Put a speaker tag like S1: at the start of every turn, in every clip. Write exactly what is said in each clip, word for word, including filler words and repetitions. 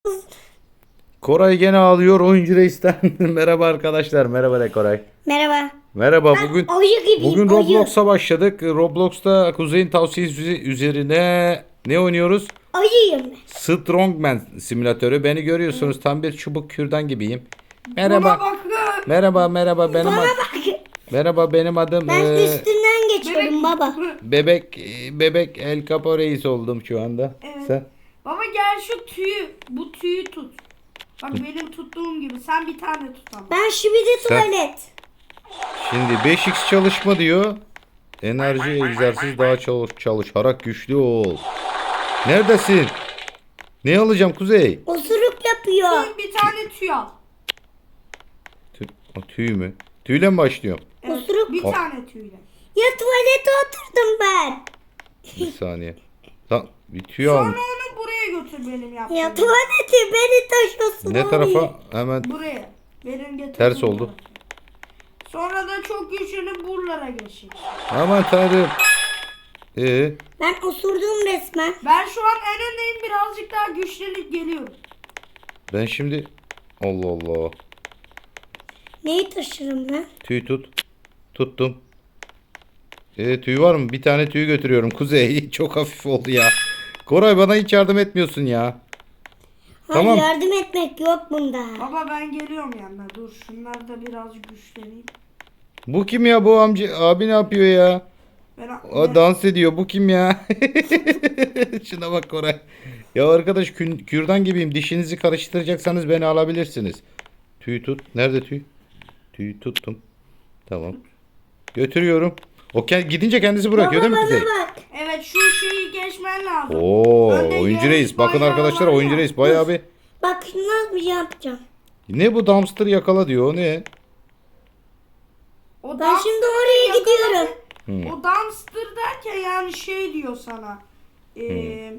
S1: Koray gene ağlıyor oyuncu reisten. Merhaba arkadaşlar. Merhaba de Koray.
S2: Merhaba.
S1: Merhaba.
S2: Ben
S1: Bugün
S2: ayı gibiyim,
S1: bugün
S2: ayı.
S1: Roblox'a başladık. Roblox'ta Kuzey'in tavsiyesi üzerine ne oynuyoruz?
S2: Ayıyım ben.
S1: Strongman simülatörü. Beni görüyorsunuz. Tam bir çubuk kürdan gibiyim.
S3: Buna
S1: Merhaba.
S3: bakın.
S1: Merhaba, merhaba. Benim
S2: Bana
S1: ad-
S2: bak.
S1: Merhaba, benim adım
S2: Ben
S1: e,
S2: üstünden geçiyorum baba.
S1: Bebek Bebek El Capo Reis oldum şu anda.
S3: Evet.
S1: Sen?
S3: Baba gel şu tüyü, bu tüyü tut. Bak benim tuttuğum gibi sen bir tane tut ama.
S2: Ben şibidi
S1: Sen-
S2: tuvalet.
S1: Şimdi beş x çalışma diyor. Enerji egzersiz daha çalış çalışarak güçlü ol. Neredesin? Ne alacağım Kuzey?
S2: Osuruk yapıyor.
S3: Sen bir tane tüy al.
S1: Tü o, tüy mü? Tüyle mi başlıyorum?
S3: Evet,
S2: Osuruk.
S3: bir
S1: O-
S3: tane tüyle.
S2: Ya tuvalete oturdum ben.
S1: Bir saniye. Lan bir tüy
S3: Sonra
S1: almış.
S3: onu buraya götür benim yaptığım.
S2: Ya tuvalete beni taşıyorsun.
S1: Ne
S2: abi.
S1: tarafa? Hemen
S3: Buraya. Benim getirdiğim
S1: ters oldu.
S3: tarafa. Sonra da çok güçlü buralara geçecek.
S1: Aman tanrım. Ee,
S2: Ben osurdum resmen.
S3: Ben şu an en öndeyim, birazcık daha güçlenip geliyorum.
S1: ben şimdi Allah Allah.
S2: Neyi taşırım ben?
S1: Tüy tut. Tuttum. Ee, tüy var mı? Bir tane tüy götürüyorum Kuzey. Çok hafif oldu ya. Koray bana hiç yardım etmiyorsun ya.
S2: Hayır,
S1: Tamam.
S2: yardım etmek yok bunda.
S3: Baba ben geliyorum yanına. Dur şunlar da birazcık güçleneyim.
S1: Bu kim ya, bu amca abi ne yapıyor ya?
S3: Ben,
S1: O dans ediyor. Bu kim ya? Şuna bak Koray. Ya arkadaş kün, kürdan gibiyim. Dişinizi karıştıracaksanız beni alabilirsiniz. Tüy tut. Nerede tüy? Tüy tuttum. Tamam. Götürüyorum. O kend- gidince kendisi bırakıyor
S2: Baba
S1: değil mi
S2: bana
S1: Kuzey?
S2: bak.
S3: Evet şu şeyi geçmen lazım.
S1: Oo,
S3: Önde
S1: oyuncu
S3: yarış
S1: reis. Bakın
S3: bayrağı
S1: arkadaşlar,
S3: var ya.
S1: oyuncu reis bayağı bir.
S2: Bak nasıl bir şey yapacağım.
S1: Ne bu dumpster yakala diyor. O ne?
S3: O
S2: Ben şimdi oraya gidiyorum.
S1: Hmm.
S3: O dumpster derken yani şey diyor sana. Ee,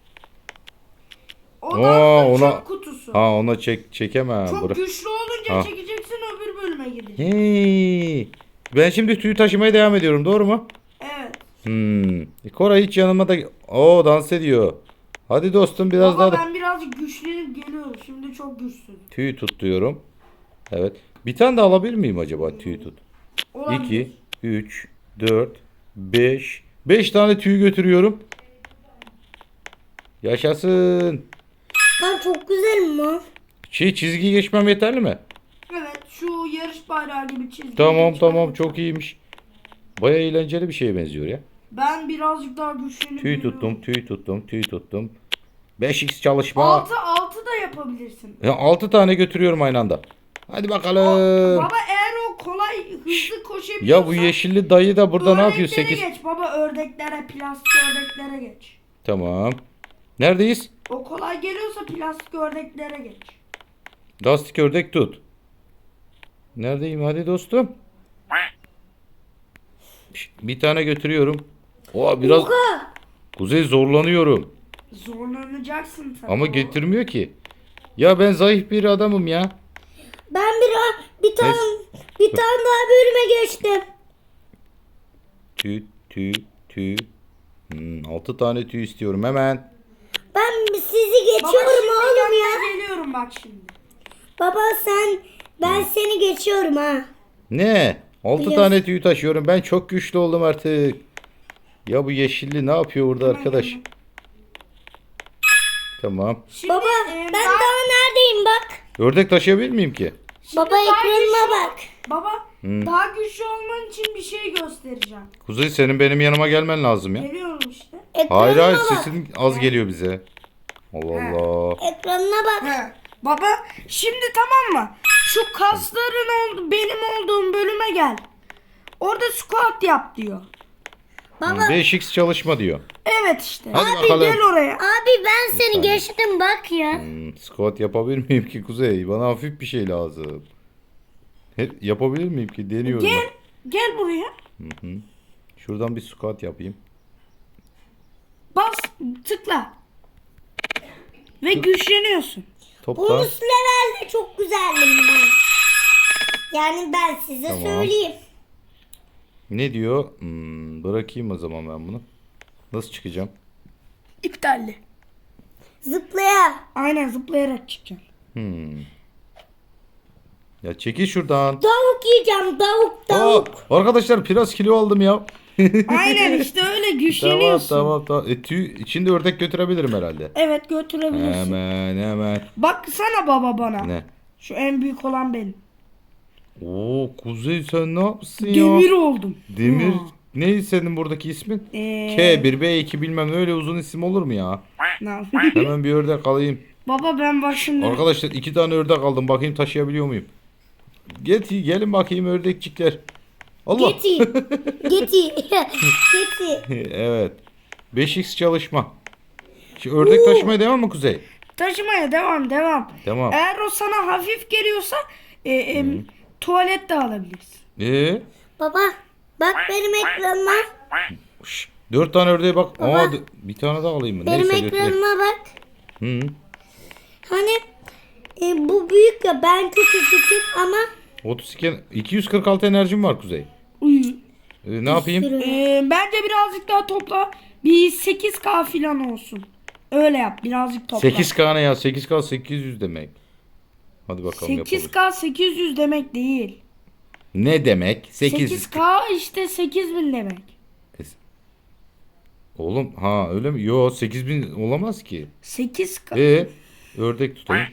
S3: O
S1: Aa,
S3: dumpster
S1: ona-
S3: çöp kutusu.
S1: Ha ona çek çekemem.
S3: Çok
S1: Bırak.
S3: güçlü olunca
S1: Ha.
S3: çekeceksin, öbür bölüme gideceksin.
S1: Hey. Ben şimdi tüy taşımaya devam ediyorum. Doğru mu?
S3: Evet.
S1: Hmm. E, Koray hiç yanıma da... Oo, dans ediyor. Hadi dostum biraz
S3: Baba
S1: daha da...
S3: ben birazcık güçlenip geliyorum. Şimdi çok güçsüz.
S1: Tüy tut diyorum. Evet. Bir tane de alabilir miyim acaba tüy tut?
S3: Olabilir.
S1: iki, üç, dört, beş. beş tane tüy götürüyorum. Yaşasın.
S2: Ben çok güzelim mi?
S1: Şey, çizgiyi geçmem yeterli mi?
S3: Evet şu yarış bayrağı gibi çizgi.
S1: Tamam
S3: geçmen
S1: tamam,
S3: lazım.
S1: çok iyiymiş. Baya eğlenceli bir şeye benziyor ya.
S3: Ben birazcık daha güçlenip
S1: Tüy
S3: geliyorum.
S1: tuttum, tüy tuttum, tüy tuttum. beş x çalışma.
S3: Altı altı da yapabilirsin.
S1: Ya altı tane götürüyorum aynı anda. Hadi bakalım.
S3: Baba eğer o kolay hızlı koşabiliyorsan.
S1: Ya bu yeşilli dayı da burada ne yapıyor?
S3: ördeklere
S1: sekiz.
S3: geç baba, ördeklere, plastik ördeklere geç.
S1: Tamam. Neredeyiz?
S3: O kolay geliyorsa plastik ördeklere geç.
S1: Lastik ördek tut. Neredeyim? Hadi dostum. Şşt, bir tane götürüyorum. Oha, biraz
S2: Oha.
S1: Kuzey zorlanıyorum.
S3: Zorlanacaksın tabii.
S1: Ama
S3: o.
S1: getirmiyor ki. Ya ben zayıf bir adamım ya.
S2: Ben bir, bir tane bir tane daha bölüme geçtim.
S1: Tüy tüy tüy. Hmm, altı tane tüy istiyorum hemen.
S2: Ben sizi
S3: Baba
S2: geçiyorum
S3: şimdi
S2: oğlum
S3: yanına
S2: ya.
S3: geliyorum bak şimdi.
S2: Baba sen ben seni geçiyorum ha.
S1: Ne? altı
S2: Biliyorsun.
S1: tane tüy taşıyorum. Ben çok güçlü oldum artık. Ya bu yeşilli ne yapıyor burada arkadaş?
S3: Hemen.
S1: Tamam.
S3: Şimdi,
S2: Baba
S3: e,
S2: ben
S3: daha-
S2: daha neredeyim bak.
S1: Ördek taşıyabilir miyim ki?
S3: şimdi
S2: Baba
S3: daha
S2: ekranıma
S3: güçlü-
S2: bak.
S3: Baba
S1: Hmm.
S3: daha güçlü olman için bir şey göstereceğim.
S1: Kuzey, senin benim yanıma gelmen lazım ya.
S3: Geliyorum işte.
S2: Ekranıma
S1: Hayır hayır,
S2: bak.
S1: sesin az geliyor bize. Allah
S3: He.
S1: Allah.
S2: Ekranına bak.
S3: He. Baba şimdi tamam mı? Şu kasların oldu, benim olduğum bölüme gel. Orada squat yap diyor.
S2: Baba
S1: beş x çalışma diyor.
S3: Evet işte.
S1: Hadi
S3: Abi
S1: bakalım.
S3: gel oraya.
S2: abi ben seni
S1: saniye.
S2: geçtim bak ya.
S1: Hmm, squat yapabilir miyim ki Kuzey? Bana hafif bir şey lazım. Hep yapabilir miyim ki? Deniyorum
S3: Gel. Gel buraya.
S1: ben. Şuradan bir squat yapayım.
S3: Bas tıkla. Ve güçleniyorsun.
S1: Topla.
S2: Bonus levelde çok güzeldim ben. Yani ben size
S1: Tamam.
S2: söyleyeyim.
S1: Ne diyor? Hmm, bırakayım o zaman ben bunu. Nasıl çıkacağım?
S3: İptalli.
S2: Zıplaya.
S3: Aynen zıplayarak çıkacaksın.
S1: Hmm. Ya çekil şuradan.
S2: Tavuk yiyeceğim. Tavuk
S1: Aa,
S2: tavuk.
S1: arkadaşlar biraz kilo aldım ya.
S3: Aynen işte öyle
S1: Tamam
S3: güçleniyorsun.
S1: tamam tamam. E, tüy, içinde ördek götürebilirim herhalde.
S3: Evet götürebilirsin.
S1: Hemen hemen.
S3: Baksana baba bana.
S1: Ne?
S3: Şu en büyük olan benim.
S1: Oo Kuzey sen ne yapsın ya?
S3: Demir oldum.
S1: Demir.
S3: Ha.
S1: Ne senin buradaki ismin?
S3: Ee,
S1: K bir B iki bilmem ne, öyle uzun isim olur mu ya?
S3: ne yapayım?
S1: Hemen bir ördek alayım.
S3: Baba ben bak şimdi.
S1: Arkadaşlar iki tane ördek aldım. Bakayım taşıyabiliyor muyum? Get, gelin bakayım ördekçikler. Allah.
S2: Geti. Geti. Geti.
S1: Evet. beş x çalışma. Şimdi ördek taşımaya devam mı Kuzey?
S3: Taşımaya devam devam.
S1: Tamam.
S3: Eğer o sana hafif geliyorsa e, e, tuvalet de alabilirsin.
S1: Ee?
S2: Baba bak benim ekranıma.
S1: Şş, dört tane ördeğe bak.
S2: Baba.
S1: Aa, d- bir tane daha alayım mı?
S2: Benim
S1: Neyse götüreyim.
S2: ekranıma bak.
S1: Hı.
S2: Hani e, bu büyük ya ben küçücüküm ama
S1: otuz iki, iki yüz kırk altı enerjim var Kuzey.
S3: Uyu.
S1: Ee, ne yapayım?
S2: sürü.
S3: E, bence birazcık daha topla. Bir sekiz K falan olsun. Öyle yap birazcık topla.
S1: sekiz K ne ya? sekiz K sekiz yüz demek. Hadi bakalım
S3: sekiz
S1: yapalım.
S3: K sekiz yüz demek değil.
S1: Ne demek? sekiz yüz.
S3: sekiz K işte sekiz bin demek.
S1: Oğlum ha öyle mi? Yo sekiz bin olamaz ki.
S3: sekiz K.
S1: Ee, ördek tutayım.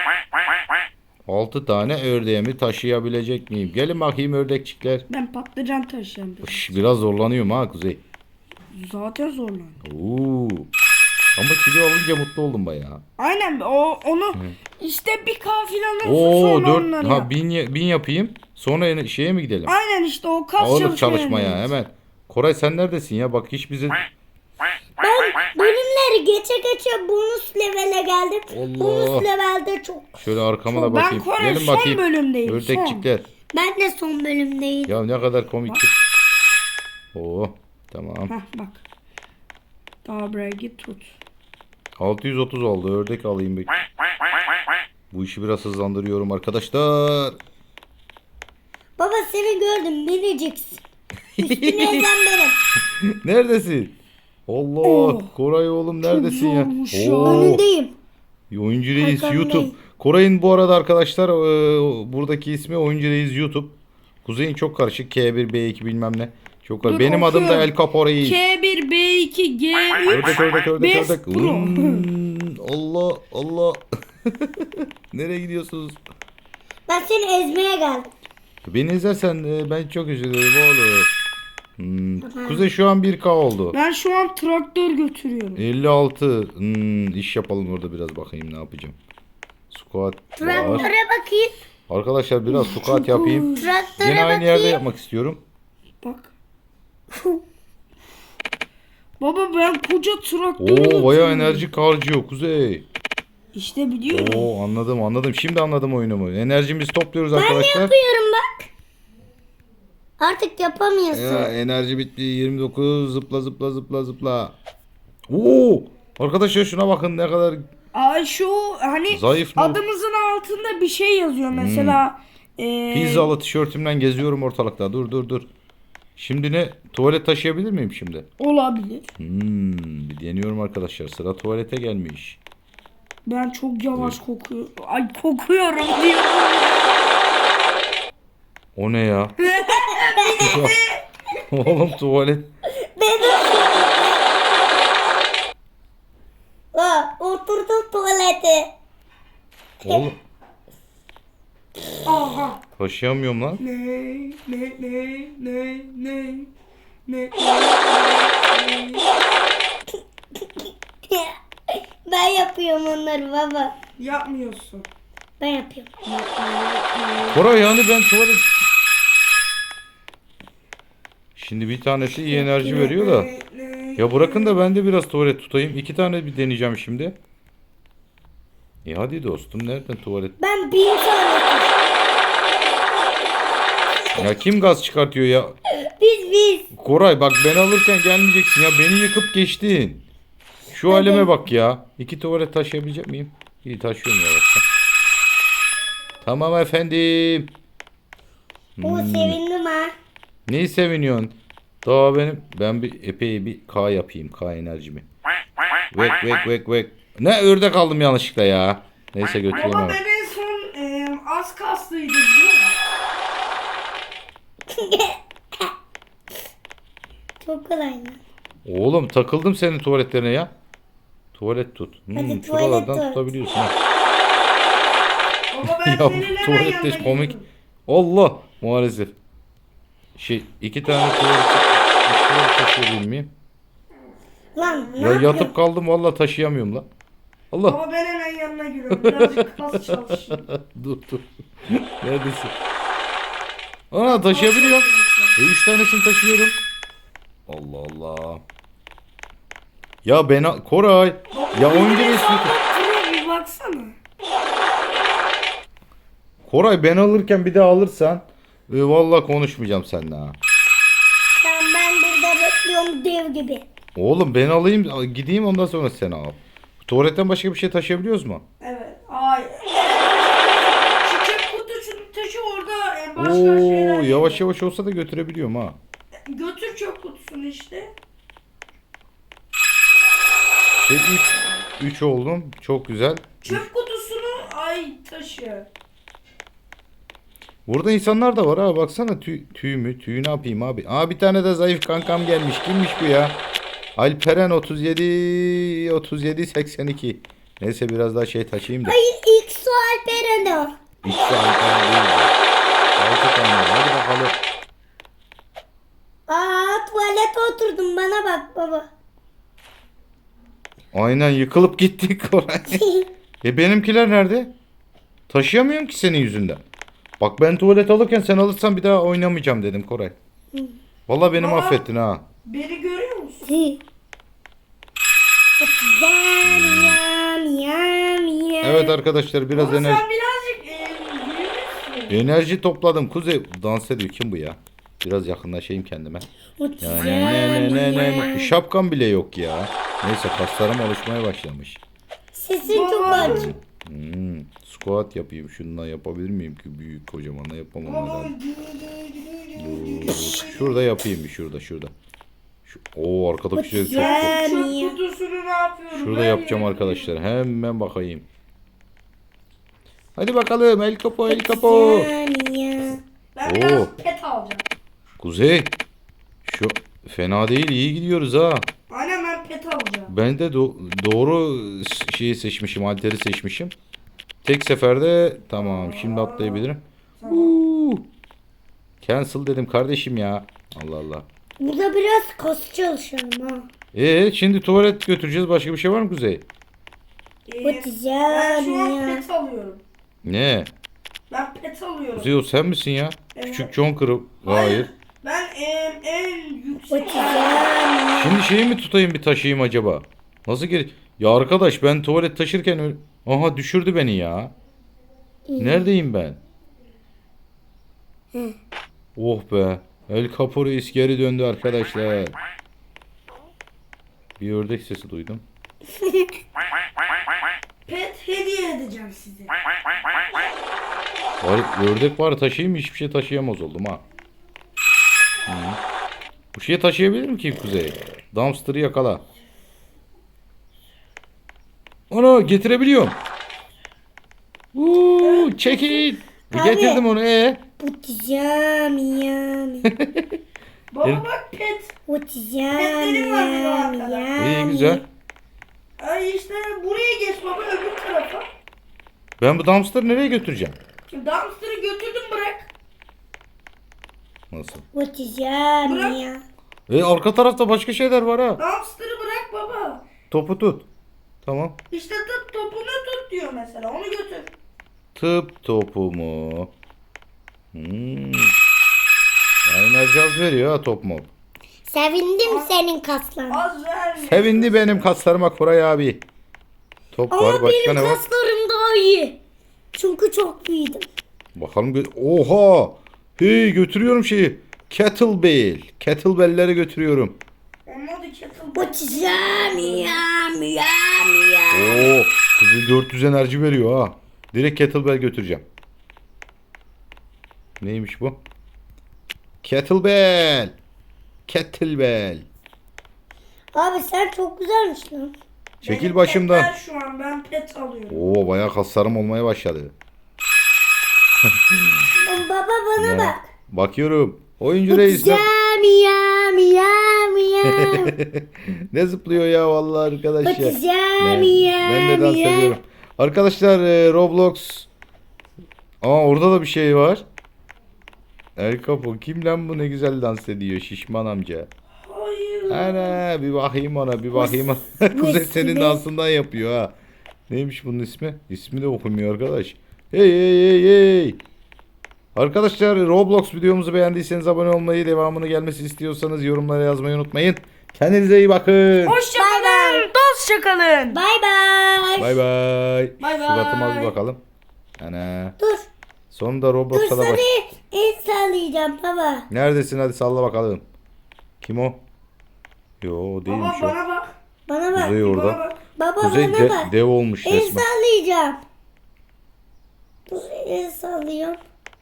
S1: altı tane ördeğimi taşıyabilecek miyim? Gelin bakayım ördekçikler.
S3: Ben patlıcan taşıyamıyorum.
S1: Şş, biraz zorlanıyorum ha Kuzey.
S3: Zaten zorlanıyor.
S1: Oo. Ama kilo alınca mutlu oldum bayağı.
S3: Aynen o onu işte bir K falan olsun
S1: Oo
S3: sonra
S1: dört
S3: onları
S1: ha
S3: yap.
S1: bin, ya- bin yapayım. Sonra yine şeye mi gidelim?
S3: Aynen işte o kas
S1: Ağırlık
S3: çalışmaya
S1: çalışmaya
S3: yönelik.
S1: hemen. Koray sen neredesin ya? Bak hiç bize...
S2: ben bölümleri geçe geçe bonus levele geldim.
S1: Allah.
S2: Bonus levelde çok.
S1: Şöyle arkama da
S3: Ben
S1: bakayım.
S3: Koray
S1: Gelin
S3: son
S1: bakayım.
S3: bölümdeyim,
S1: Ördekçikler.
S2: Ben de son bölümdeyim.
S1: Ya ne kadar komik. Oo tamam.
S3: Hah bak. Daha buraya git tut.
S1: altı yüz otuz oldu. Ördek alayım bir. Bu işi biraz hızlandırıyorum arkadaşlar.
S2: Baba seni gördüm miniciksin. Üstüne ezen benim.
S1: Neredesin? Allah
S3: Oh.
S1: Koray oğlum neredesin ya?
S3: zormuş ya.
S1: Oo,
S2: Önündeyim.
S1: Oyuncu Reis
S2: Arkandayım.
S1: YouTube. Koray'ın bu arada arkadaşlar e, buradaki ismi Oyuncu Reis YouTube. Kuzey'in çok karışık. K bir B iki bilmem ne. Çok karışık.
S3: Dur,
S1: Benim adım da
S3: okuyorum.
S1: El Capo Reis.
S3: K bir, B iki, G üç,
S1: Ördek ördek ördek
S3: Best
S1: ördek.
S3: Pro.
S1: Hmm, Allah Allah. Nereye gidiyorsunuz?
S2: Ben seni ezmeye geldim.
S1: Beni izlersen e, ben çok üzülürüm oğlum. Hmm. Kuzey şu an bir K oldu.
S3: Ben şu an traktör götürüyorum.
S1: elli altı. Hmm, iş yapalım orada biraz, bakayım ne yapacağım. Squat var.
S2: Traktöre bakayım.
S1: Arkadaşlar biraz squat yapayım.
S2: Traktöre
S1: Yine aynı
S2: bakayım.
S1: yerde yapmak istiyorum.
S3: Bak. Baba ben koca traktör
S1: Oo
S3: götürüyorum.
S1: bayağı enerji harcıyor Kuzey.
S3: İşte biliyorum.
S1: Oo anladım anladım. Şimdi anladım oyunumu. Enerjimizi topluyoruz
S2: Ben
S1: arkadaşlar.
S2: yapıyorum bak. Artık yapamıyorsun.
S1: Ya, enerji bitti. yirmi dokuz. Zıpla zıpla zıpla zıpla. Oo arkadaşlar şuna bakın ne kadar
S3: Ay şu hani
S1: zayıf mı?
S3: adımızın altında bir şey yazıyor mesela. E,
S1: Pizzalı tişörtümden geziyorum ortalıkta. Dur dur dur. Şimdi ne? Tuvalet taşıyabilir miyim şimdi?
S3: Olabilir.
S1: Hmm, bir deniyorum arkadaşlar. Sıra tuvalete gelmiş.
S3: Ben çok yavaş kokuyorum. Ay kokuyorum diyorum.
S1: O ne ya? Oğlum tuvalet.
S2: Aa, oturdum tuvalete.
S1: Oğlum
S3: Aha.
S1: taşıyamıyorum lan.
S3: Ne ne ne ne ne ne
S2: Ben yapıyorum onları baba.
S3: yapmıyorsun.
S2: Ben yapıyorum.
S1: Koray yani ben tuvalet... Şimdi bir tanesi iyi enerji veriyor da. Ya bırakın da ben de biraz tuvalet tutayım. İki tane bir deneyeceğim şimdi. E hadi dostum, nereden tuvalet?
S2: Ben bin tane.
S1: Ya kim gaz çıkartıyor ya?
S2: Biz biz.
S1: Koray bak ben alırken gelmeyeceksin ya. Beni yıkıp geçtin. Şu halime bak ya. İki tuvalet taşıyabilecek miyim? İyi taşıyorum yavaşça. Tamam efendim.
S2: O sevindim ha.
S1: Neyi seviniyorsun? Daha benim ben bir epey bir K yapayım. K enerjimi. Vek vek vek vek. Ne ördek aldım yanlışlıkla ya. Neyse götüreyim
S3: Baba
S1: hemen.
S3: ben en son e, az kaslıydım biliyor musun?
S2: Çok kolay lan.
S1: Oğlum takıldım senin tuvaletlerine ya. Tuvalet tut. Hmm,
S2: Hadi tuvalet
S1: şuralardan
S2: tut.
S1: tutabiliyorsun. Ha.
S3: Baba ben
S1: Ya
S3: senin
S1: bu
S3: hemen
S1: tuvalet
S3: yanına
S1: de komik.
S3: geliyorum.
S1: Allah maalesef. Şey iki tane tuvalet, tuvalet taşıyabilir miyim?
S2: Lan ne
S1: Ya
S2: yapıyorsun?
S1: yatıp kaldım vallahi taşıyamıyorum la. Allah.
S3: Baba ben hemen yanına giriyorum. Birazcık kas çalışayım.
S1: Dur dur. Neredesin? Ana taşıyabiliyorum. E, üç tanesini taşıyorum. Allah Allah. Ya ben Koray. Ya oyuncu
S3: Benim
S1: resmi.
S3: hesabım pro, bir baksana.
S1: Koray ben alırken bir daha alırsan e, vallahi konuşmayacağım seninle ha.
S2: Tamam ben burada bekliyorum dev gibi.
S1: Oğlum ben alayım gideyim ondan sonra sen al. Tuvaletten başka bir şey taşıyabiliyoruz mu?
S3: Evet. Ay. Şu çöp kutusunu taşı orada e, başka şeyler.
S1: Oo yavaş yavaş olsa da götürebiliyorum ha.
S3: Götür çöp kutusunu işte.
S1: Şey üç oldum. Çok güzel.
S3: Çöp kutusunu ay taşı.
S1: Burada insanlar da var ha baksana tüy, tüy mü? Tüyü ne yapayım abi? Aa bir tane de zayıf kankam gelmiş. Kimmiş bu ya? Alperen otuz yedi otuz yedi seksen iki. Neyse biraz daha şey taşıyayım da.
S2: Hayır ilk su Alperen o.
S1: İşte Alperen değil. Altı tane var. Hadi bakalım.
S2: Aa tuvalete oturdum bana bak baba.
S1: Aynen yıkılıp gittik Koray. E benimkiler nerede? Taşıyamıyorum ki senin yüzünden. Bak ben tuvalet alırken sen alırsan bir daha oynamayacağım dedim Koray. Vallahi beni
S3: Baba.
S1: mahvettin ha.
S3: Beni görüyor musun?
S2: Yam yam yam yam.
S1: Evet arkadaşlar biraz
S3: Baba
S1: enerji
S3: sen birazcık e, büyümüşsün.
S1: enerji topladım. Kuzey dans ediyor. Kim bu ya? Biraz yakınlaşayım kendime.
S2: Yam
S1: Ne ne ne ne
S2: yam.
S1: ne. Şapkam bile yok ya. Neyse kaslarım alışmaya başlamış.
S2: Sesin çok
S3: Baba.
S2: acı.
S1: Hmm, squat yapayım. Şundan yapabilir miyim ki? Büyük kocamanla yapamam
S3: Baba.
S1: herhalde. Dur, şurada yapayım bir şurada şurada. Şu, oo arkadaki şey çok
S2: Ya.
S3: Çöp
S2: Niye?
S3: kutusunu ne yapıyorum?
S1: Şurada
S3: Ben
S1: yapacağım
S3: ya.
S1: arkadaşlar. Hemen bakayım. Hadi bakalım el kapo el kapo.
S2: Yam yam.
S3: Ben
S1: Oo.
S3: biraz pet alacağım.
S1: Kuzey. Şu fena değil iyi gidiyoruz ha.
S3: Aynen ben pet alacağım.
S1: Ben de do- doğru şeyi seçmişim, halteri seçmişim. Tek seferde tamam şimdi atlayabilirim. Uuu. Cancel dedim kardeşim ya. Allah Allah.
S2: Burada biraz kas çalışalım ha.
S1: Ee şimdi tuvalet götüreceğiz. Başka bir şey var mı Kuzey?
S3: Ee,
S2: Batacağım
S3: ben şu an
S2: ya.
S3: pet alıyorum.
S1: Ne?
S3: Ben pet alıyorum.
S1: Kuzey o sen misin ya?
S3: Evet.
S1: Küçük John Kırıp. Hayır.
S3: Ben en, en yüksek.
S2: Batacağım ya.
S1: Şimdi şeyi mi tutayım bir taşıyayım acaba? Nasıl geri? Ya arkadaş ben tuvalet taşırken ö- aha düşürdü beni ya. Neredeyim ben? Oh be. El Capo Reis geri döndü arkadaşlar. Bir ördek sesi duydum.
S3: Pet hediye edeceğim size.
S1: Var, ördek var taşıyayım mı? Hiçbir şey taşıyamaz oldum ha. Hı. Bu şeyi taşıyabilir mi ki Kuzey? Dumpster'ı yakala. Ana getirebiliyorum. Uuu çekil.
S2: Abi.
S1: Getirdim onu ee.
S2: Batacağım yam.
S3: Baba
S1: Evet.
S3: bak pet.
S2: Batacağım
S3: Petlerim var benim
S2: yam
S3: arkada.
S2: yam.
S1: İyi güzel.
S3: Ay işte buraya geç baba öbür tarafa.
S1: Ben bu dumpster'ı nereye götüreceğim?
S3: Şimdi dumpster'ı götürdüm bırak.
S1: Nasıl?
S2: Batacağım
S3: Bırak.
S2: ya.
S1: E arka tarafta başka şeyler var ha.
S3: Dumpster'ı bırak baba.
S1: Topu tut. Tamam.
S3: İşte tut topunu tut diyor mesela onu götür.
S1: Tıp topu mu? Hmm. Ya enerji az veriyor ha top mu?
S2: Sevindim senin kaslarına.
S3: Az vermiyor.
S1: Sevindi benim kaslarıma Koray abi. Top var
S2: Ama
S1: başka
S2: benim
S1: ne var?
S2: kaslarım daha iyi. Çünkü çok büyüdüm.
S1: Bakalım gö- oha. Hey götürüyorum şeyi. Kettlebell. Kettlebell'leri götürüyorum.
S3: Onun adı kettle.
S2: Batacağım yam yam yam.
S1: Oo, kızı dört yüz enerji veriyor ha. Direkt kettlebell götüreceğim. Neymiş bu? Kettlebell. Kettlebell.
S2: Abi sen çok güzelmiş lan.
S1: Çekil
S3: Benim
S1: başımdan.
S3: petler şu an ben pet alıyorum.
S1: Oo bayağı kaslarım olmaya başladı.
S2: Baba bana
S1: Ya,
S2: bak.
S1: bakıyorum. Oyuncu reis ne,
S2: Bakacağım ya miyav miyav.
S1: ne zıplıyor ya vallahi arkadaş ya.
S2: Bakacağım
S1: Ne-
S2: ya
S1: Ben de dans
S2: miyav.
S1: ediyorum. Arkadaşlar e, Roblox. Aa orada da bir şey var. El Capo kim lan bu ne güzel dans ediyor şişman amca.
S3: Hayır.
S1: Ana bir bakayım ona bir bakayım ona. Kuzey senin dansından yapıyor ha. Neymiş bunun ismi? İsmi de okumuyor arkadaş. Hey hey hey hey. Arkadaşlar Roblox videomuzu beğendiyseniz abone olmayı, devamını gelmesi istiyorsanız yorumlara yazmayı unutmayın. Kendinize iyi bakın.
S3: Hoşçakalın. Dostça kalın.
S2: Bay bay.
S1: Bay bay.
S3: Bay
S1: Suratıma bir
S3: bay.
S1: bakalım. Ana.
S2: Dur.
S1: Sonunda
S2: Dur
S1: Roblox'a da
S2: sana
S1: baş...
S2: el sallayacağım baba.
S1: Neredesin hadi salla bakalım. Kim o? Yo
S3: Baba
S1: değilmiş o.
S3: bana bak.
S2: Bana bak.
S1: Kuzey
S3: Bana
S1: orada.
S3: bak.
S2: Baba
S1: Kuzey
S2: bana
S1: de-
S2: bak.
S1: dev olmuş
S2: El
S1: resmen.
S2: sallayacağım. Dur el sallıyorum.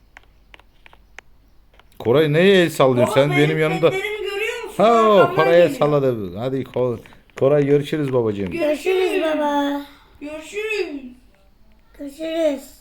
S1: Koray neye el sallıyorsun
S3: Baba,
S1: sen benim yanımda?
S3: petlerimi görüyor musun?
S1: Ha
S3: Arkamdan
S1: Koray'a
S3: geliyor.
S1: salladı. Hadi Ko- Koray görüşürüz babacığım.
S2: Görüşürüz baba.
S3: Görüşürüz.
S2: Görüşürüz.